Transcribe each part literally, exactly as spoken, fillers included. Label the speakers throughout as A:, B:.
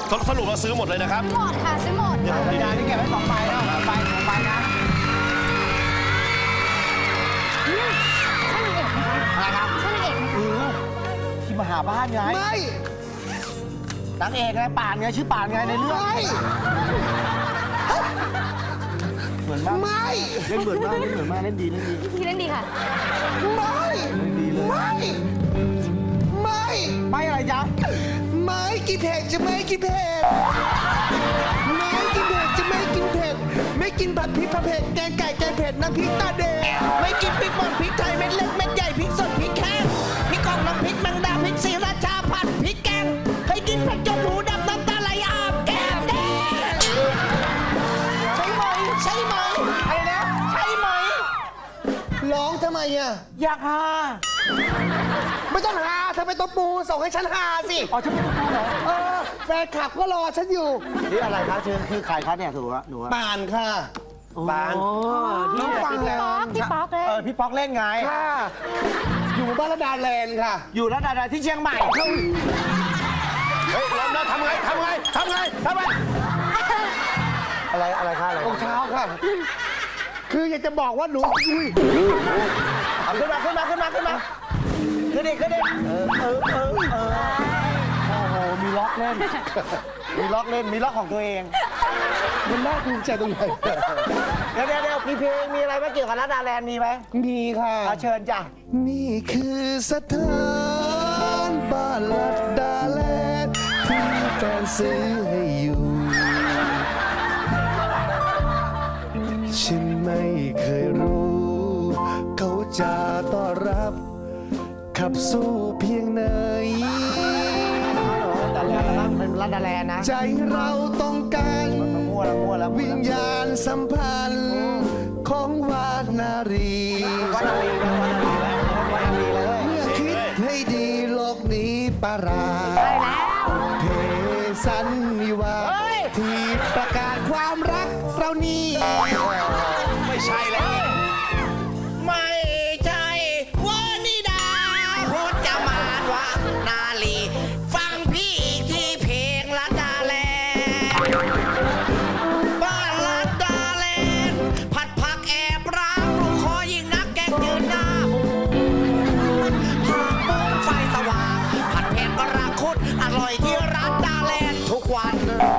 A: สรุปเราซื้อหมดเลยนะครับ
B: หมดค่ะซื้อหมด
C: ดีดาที่เก็บไว้สองใบแล้วสองใบสองใบนะ
B: ใช่นางเอกไหมคะอะไรครับใช่นางเอกไหมคะ
C: ที่มาหาบ้านไงไม่นางเอกไงป่านไงชื่อป่านไงในเรื่องไม่เหมือนมากไม่เล่นเหมือนมากเล่นเหมือนมากเล่นดีเล่นดี
B: พี่เล่นดีค่ะ
C: ไม่ไม่ไม่ไม่อะไรจ๊ะไม่กินเผ็ดจะไม่กินเผ็ดไม่กินเผ็ดจะไม่กินเผ็ดไม่กินผัดพริกผัดเผ็ดแกงไก่แกงเผ็ดน้ำพริกตาแดงไม่กินพริกป่นพริกไทยเม็ดเล็กเม็ดใหญ่พริกสดพริกแห้งพริกกองน้ำพริกแมงดาพริกศรีราชาผัดพริกแกงเคยกินเผ็ดจนหูดำน้ำตาไหลอาบแก้มแดงใช่ไหมใช่ไหมอะไรนะใช่ไหมร้องทำไมอ่ะอยากฮาไม่ต้องหาเธอไปตบปูส่งให้ฉันหาสิอ๋อฉันไม่ตบปูเหรอเออแฟนคลับก็รอฉันอยู่นี่อะไรคะเชิญคือใครคะเนี่ยถูกวะหนูปานค่ะปานน้องปาน
B: พี่ป๊อกเล่น
C: เออพี่ป๊อกเล่นไงค่ะอยู่บ้านระดาแลนด์ค่ะอยู่ระดาแลนด์ที่เชียงใหม่
A: เฮ้ยลองนะทำไงทำไงทำไงทำไง
C: อะไรอะไรคะอะไรรองเท้าค่ะคืออยากจะบอกว่าหนูอุ้ยเอาขึ้นมาขึ้นมาขึ้นมาขึ้นมาขึ้นดิขึ้นดิเออเออเออเออโอ้โหมีล็อกเล่นมีล็อกเล่นมีล็อกของตัวเองมันน่าภูมิใจตรงไหนเดี๋ยวเดี๋ยวเดี๋ยวมีเพลงมีอะไรไหมเกี่ยวกับรัดดาแลนด์มีไหมมีค่ะเชิญจ้ะนี่คือสถานบ้านรัดดาแลนด์ที่แฟนซื้อให้อยู่ฉันไม่เคยรู้เขาจะต้อนรับขับสู้เพียงไหนแต่แล้วเป็นรัดดาแลนด์นะใจเราต้องการวิญญาณสัมพันธ์ของวานารีเมื่อคิดให้ดีโลกนี้ปาราเพสันนิวาที่ประกาศความรักเรานี่
A: ไม่ใช่แล้ว
C: ไม่ใช่วานิดาพูดจะมานว่านาลีฟังพี่อีกที่เพลงรัดดาแลนด์บ้านรัดดาแลนด์ผัดผักแอบรักลูกคอยิ่งนักแกงยืนหน้าหูผักบุ้งไฟสว่างผัดเผ็ดมะระคุดอร่อยที่รัดดาแลนด์ทุกวัน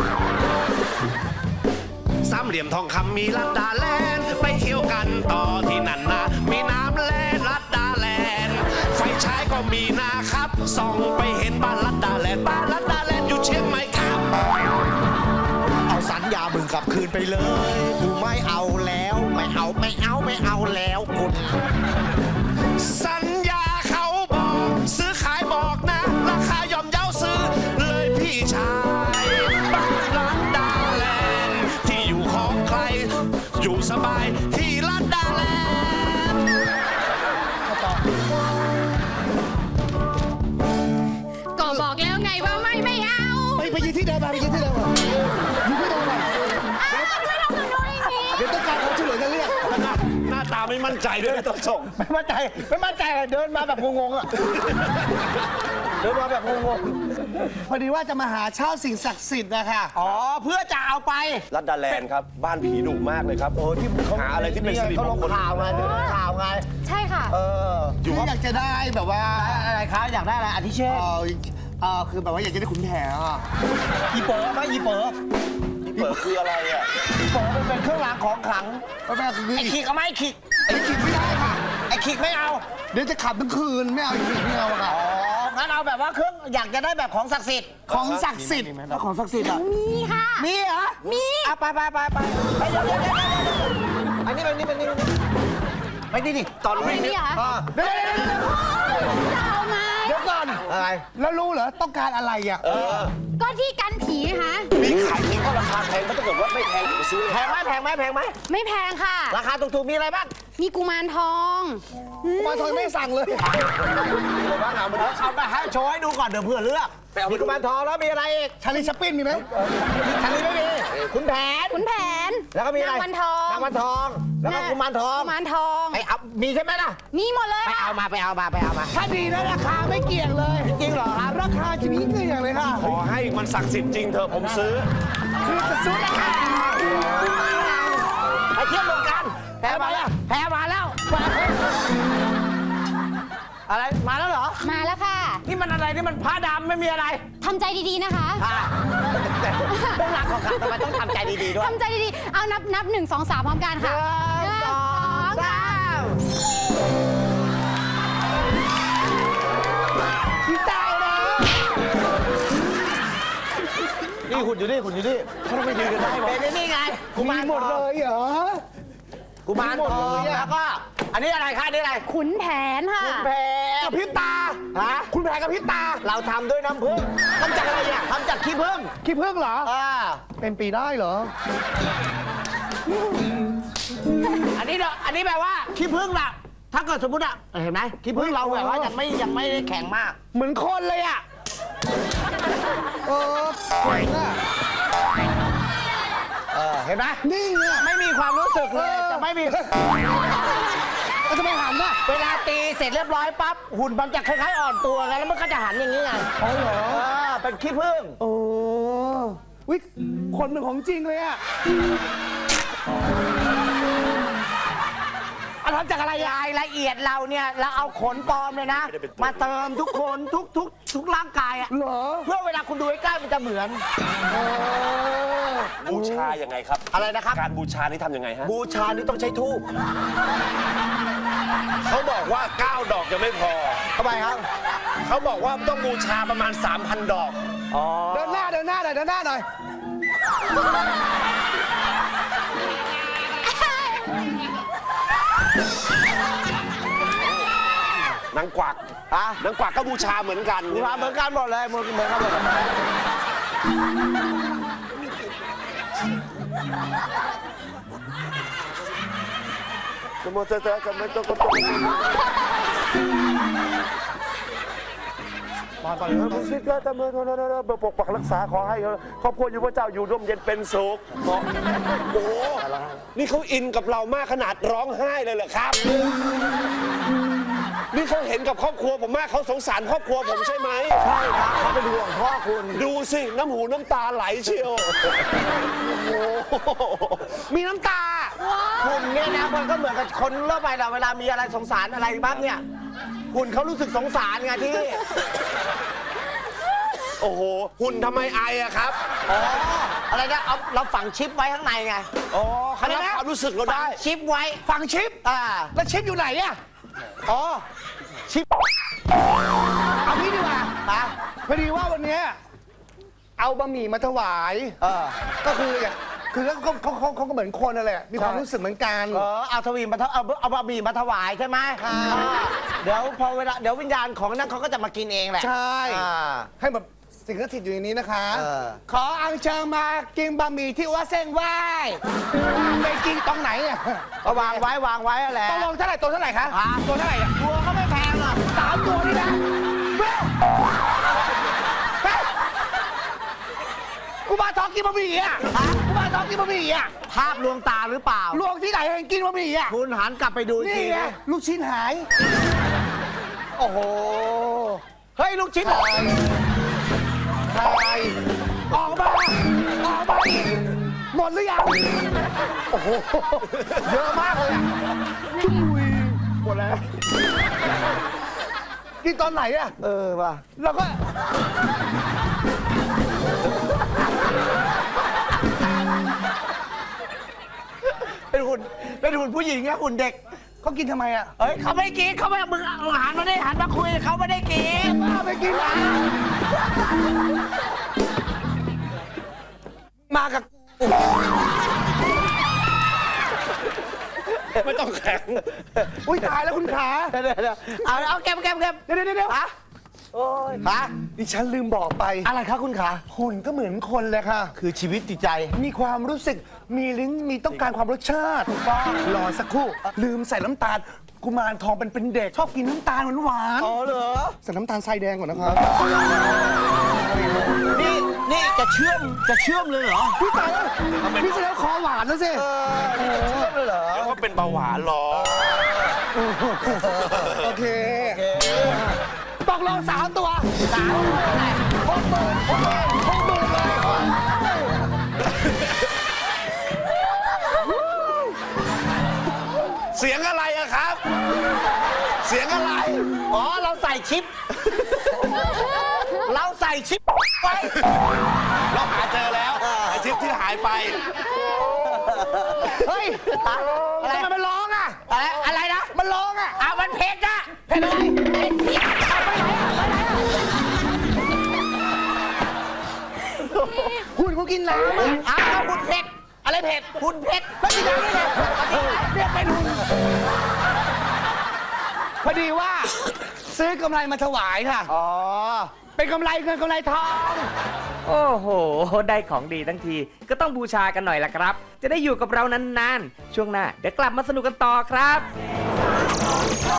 A: สามเหลี่ยมทองคำมีรัดดาแลนด์ไปเที่ยวกันต่อที่นั่นนะมีน้ำแล่รัดดาแลนด์ไฟฉายก็มีนะครับส่องไปเห็นบ้านรัดดาแลนด์บ้านรัดดาแลนด์อยู่เชียงใหม่ครับ
C: เอาสัญญาบึงกลับคืนไปเลยกูไม่เอาแล้วไม่เอาไม่เอาไม่เอาแล้วคุณ
A: สัญญาเขาบอกซื้อขายบอกนะราคาย่อมเยาซื้อเลยพี่ชายบ้านรัดดาแลนด์ที่อยู่ของใครอยู่สบายที่รัดดาแลนด์
B: ก็บอกแล้วไงว่าไม่ไม่เอา
C: ไปไปยืนที่เดิมมาไปยืนที่เดิมมายืนที่เดิมมา
B: ไม่ทำกับหนูอย่างนี้
C: เดี๋ยวต้องการเขาช่วยเหลือกันเรียก
A: หน้าตาไม่มั่นใจด้วยไม่ต้องส่ง
C: ไม่มั่นใจไม่มั่นใจเดินมาแบบงงๆอ่ะเดินมาแบบงงๆพอดีว่าจะมาหาเช่าสิ่งศักดิ์สิทธิ์นะคะอ๋อเพื่อจะเอาไป
A: รัดดาแลนด์ครับบ้านผีดุมากเลยครับโอ้ที่เขาหาอะไรที่เป็นสิริมงคล
C: ข่าวไงข่าวไง
B: ใช่ค่ะ
C: เอออยู่อยากจะได้แบบว่าอะไรคะอยากได้อะไรอาทิเช่นเออคือแบบว่าอยากจะได้ขุนแผนอ่ะอีเป๋อไหมอีเป๋อ
A: อีเป๋อคืออะไรอ่ะ
C: อีเป๋อมันเป็นเครื่องรางของขลังไอ้ขีกเอาไหมไอ้ขีกไอ้ขีกไม่ได้ค่ะไอ้ขีกไม่เอาเดี๋ยวจะขับทั้งคืนไม่เอาไอ้ขีกไม่เอาค่ะอ๋องั้นเอาแบบว่าเครื่องอยากจะได้แบบของศักดิ์สิทธิ์ของศักดิ์สิทธิ์แล้วของศักดิ์สิทธิ์อ่ะ
B: มีค่ะ
C: มีเหรอ
B: มี
C: อ่ะไปไปไปไปไปเดี๋ยวเดี๋ยวอันนี้เป็นนี่เป็นนี่ไปดิดิ
A: ตอนวิ่ง
B: นี่
C: เดี๋ยวเดี๋ยวเดี๋ยว
B: จะเอาไง
C: เดี๋ยวก่อนอะไรแล้วรู้เหรอต้องการอะไรอ่ะ
B: ก็ที่กันผีค่ะ
A: มีขายทิ้งก็ราคาแพงก็ถ้าเกิดว่าไม่แพงผมซื้อ
C: แพงไหมแพงไหมแพงไหม
B: ไม่แพงค่ะ
C: ราคาถูกๆมีอะไรบ้าง
B: มีกุมารทอง
C: กุมารทองไม่สั่งเลยบ้างเอามาเอาไปให้โชว์ให้ดูก่อนเดี๋ยวเพื่อเลือกมีกุมารทองแล้วมีอะไรอีกชาลีชัปปิ้นมีไหมชาลีไม่มีขุนแผน
B: ขุนแผน
C: แล้วก็มีอะไร
B: นางวันทอง
C: นางวันทองแล้วก็กุมารทอง
B: กุมารทอง
C: ไปเอามีใช่ไหมล่ะ
B: มีหมดเลย
C: ไปเอามาไปเอามาไปเอามา
D: ถ้าดีนะราคาไม่เกี่ยงเลย
C: จริงเหรอครับ
D: ราคาจะมีเกี่ยงเลยค่ะ
A: ขอให้มันศักดิ์สิทธิ์จริงเถอะผมซื้อ
D: คือจะซื้อราคา
C: ไปเที่ยวเมืองกันแพ้มาแล้วแพ้มาแล้วอะไรมาแล้วเหรอ
B: มาแล้วค่ะ
C: นี่มันอะไรนี่มันผ้าดำไม่มีอะไร
B: ทำใจดีๆนะคะ
C: ค่ะแต่เรื่องราวของเขาทำไมต้องทำใจดีๆด้วย
B: ทำใจดีๆ เอานับนับหนึ่งสองสามพร้อมกันค่ะ
C: หนึ่งสองสาม
D: พี่ตายแล้ว
C: นี่หุ่นอยู่นี่หุ่นอยู่นี่เขาต้องไปยืนกันได้หมดเป็นนี่ไงกุ
D: มี
C: มาร
D: หมด
C: ท
D: เล
C: อง
D: ยเหรอ
C: กุมารทองแล้วก็อันนี้อะไรคะอันนี่อะไร
B: ขุนแผนค่ะ
C: คุณแผน
D: กับพริบตา
C: ฮะ
D: คุณแผนกับพริบตา
C: เราทำด้วยน้ำผึ้งทำจากอะไรเนี่ยทำจากขี้ผึ้ง
D: ขี้ผึ้งเหรอ
C: อ่า
D: เป็นปีได้เหรอ
C: อันนี้เนาะอันนี้แปลว่าขี้ผึ้งล่ะถ้าเกิดสมมติอะเห็นไหมขี้ผึ้งเราแบบว่ายังไม่ยังไม่ได้แข็งมาก
D: เหมือนคนเลยอ่ะ เออแข็งอ่ะ
C: เออเห็นไหม
D: นิ่งอ่ะ
C: ไม่มีความรู้สึกเลย
D: เออ
C: จะไม่มี
D: แล้วจะไปหันน่ะ
C: เวลาตีเสร็จเรียบร้อยปั๊บหุ่นมันจะคล้ายๆอ่อนตัวไงแล้วมันก็จะหันอย่างนี้ไง
D: อ๋อเหรอ
C: เออเป็นขี้ผึ้ง
D: โอ้วิคนเป็นของจริงเลยอ่ะ
C: เอาทำจากอะไรรายละเอียดเราเนี่ยเราเอาขนปลอมเลยนะ มาเติมทุกคนทุกทุกทุกร่างกายอะ
D: เหรอ
C: เพื่อเวลาคุณดูใกล้ๆมันจะเหมือน
A: บูชายังไงครับ
C: อะไรนะครับ
A: การบูชานี่ทำยังไงฮะ
C: บูชานี่ต้องใช้ทูบ
A: เขาบอกว่าเก้าดอกยังไม่พอ
C: ทำไมครับ
A: เขาบอกว่าต้องบูชาประมาณ สามพัน ดอก
C: อ๋อ
D: เดินหน้าเดินหน้าหน่อยเดินหน้าหน่อย
A: นางกวัก
C: อ่ะ
A: นางกวักก็บูชาเหมือนกัน
C: บูชาเหมือนกันหมดเลยเหมือนเหมือนกันหมดเลย
A: จะมาเจอจะไม่ต้องก็ต้องมาก่อนเลยพุทธิกาตะเมื่อปกปักรักษาขอให้ครอบครัวอยู่พระเจ้าอยู่ร่มเย็นเป็นสุขโอ้โหนี่เขาอินกับเรามากขนาดร้องไห้เลยเหรอครับ นี่เขาเห็นกับครอบครัวผมมากเขาสงสารครอบครัวผมใช่ไหม
C: ใช่ครับเขาเป็นห่วงพ่อคุณ
A: ดูสิน้ำหูน้ำตาไหลเชียวโอ้โห
D: มีน้ำตา
C: คุณเนี่ยนะมันก็เหมือนกับคนทั่วไปเราเวลามีอะไรสงสารอะไรบ้างเนี่ยคุณเขารู้สึกสงสารไงที่
A: โอ้โหหุ่นทำไมไออะครับ
C: อ๋ออะไรนะเอาเราฝังชิปไว้ข้างในไง
A: อ๋อเขารับความรู้สึกเรา
C: ฝั
A: ได้
C: งชิปไว้
D: ฟังชิป
C: อ่า
D: แล้วชิปอยู่ไหนอ่ะ
C: อ๋อชิป
D: เอางี้ดีกว่า
C: อ่ะ
D: พอดีว่าวันเนี้ยเอาบะหมี่มาถวาย
C: เออ
D: ก็คืออย่างคือเขาเขาเขาเขาก็เหมือนคนนั่นแหละมีความรู้สึกเหมือนกัน
C: เออเอาทวีมาถเอาเอาบะหมี่มาถวายใช่ไหม
D: ค่ะ
C: อ่าเดี๋ยวพอเวลาเดี๋ยววิญญาณของนั้นเขาก็จะมากินเองแหละ
D: ใช่
C: อ่า
D: ให้แบบสิ่งศักดิ์สิทธิ์อยู่ในนี้นะคะ
C: เออ
D: ขออัญเชิญมากินบะหมี่ที่วัดเส้นไหว้ไปกินตรงไหนอ่ะ
C: ก็วางไว้วางไว้แหละ
D: ต้องลงเท่าไหร่ตัวเท่าไหร่คะ
C: อ่า
D: ตัวเท่าไหร่อ่ะ
C: ตัวก็ไม่แพงหรอก
D: สามตัวนี่นะเว้ยเฮ้ยกูมาทองกินบะหมี่อ่ะกูมาทองกินบะหมี่อ่ะ
C: ภาพลวงตาหรือเปล่า
D: ลวงที่ไหนเห็นกินบะหมี่อ่ะ
C: คุณหันกลับไปดูอีก
D: นี่
C: ที
D: ไง
C: นะ
D: ลูกชิ้นหาย
C: โอ้โห เฮ้ย ลูกชิ้นหาย
D: ใครออกมาออกมาหมดหรือยังโอ้โหเยอะมากเลยอะจุ้ยหมดแล้วกินตอนไหนอะ
C: เออว่ะ
D: เราก็
C: เป็นหุ่นเป็นหุ่นผู้หญิงอะหุ่นเด็ก
D: เขากินทำไมอะ
C: เฮ้ยเขาไม่กินเขาไม่มึงเอาหันมาได้หันมาคุยเขาไม่ได้กิน
D: ป้าไปกินนะมากับ
A: ไม่ต้องแข็ง
D: อุ้ยตายแล้วคุณขา
C: เดี๋ยวเดี๋ยวเอาเอาเก็บเก็บเก็บ
D: เดี๋ยวเดี๋ยวเดี๋ยว
C: ฮะโอ้ยฮะ
D: ดิฉันลืมบอกไป
C: อะไรครับคุณขา
D: หุ่นก็เหมือนคนเลยค่ะ
C: คือชีวิตจิตใจ
D: มีความรู้สึก มีลิ้น มีต้องการความรสชาติรอสักครู่ ลืมใส่น้ำตาล กุมารทองเป็นเป็นเด็ก ชอบกินน้ำตาลหวาน
C: อ๋อเหรอ
D: ๆใส่น้ำตาลทรายแดงก่อนนะครับ
C: นี่
E: นี่จะเชื่อมจะเชื่อมเลยเหรอ
D: พี่ตายแล้วพี่แสดงคอหวานแล้วสิ
E: เชื่อมเลยเหรอ
A: เดี๋ยวก็เป็นเบาหวานหรอ
D: โอเคตกลงสามตัวสามอะไรหกหมื่นหกหมื่นหกหมื่นเลย
A: เสียงอะไรอะครับ เสียงอะไร
E: อ๋อเราใส่ชิป เราใส่ชิปไว้
A: เราหาเจอแล้วไอชิปที่หายไป
D: เฮ้ยอะไรมันร้องอ่ะ
E: อะไรอะไรนะ
D: มันร้องอ่ะ
E: อ่ะมันเผ็ดนะ
D: เผ็ดอะไรเผ็ดเผ็ดหุ่นเขากินน้ำอ่ะ
E: อ้าวคุณเผ็ดอะไรเผ็ดคุณเผ็ด
D: ไม่กินน้ำได้ไงเนี่ยเป็นหุ่นพอดีว่าซื้อกำไรมาถวายค่ะ
E: อ๋อ
D: เป็นกำไรเงินกำไรทอง
F: โอ้โห ได้ของดีทั้งทีก็ต้องบูชากันหน่อยล่ะครับ จะได้อยู่กับเรานานๆ ช่วงหน้าเดี๋ยวกลับมาสนุกกันต่อครับ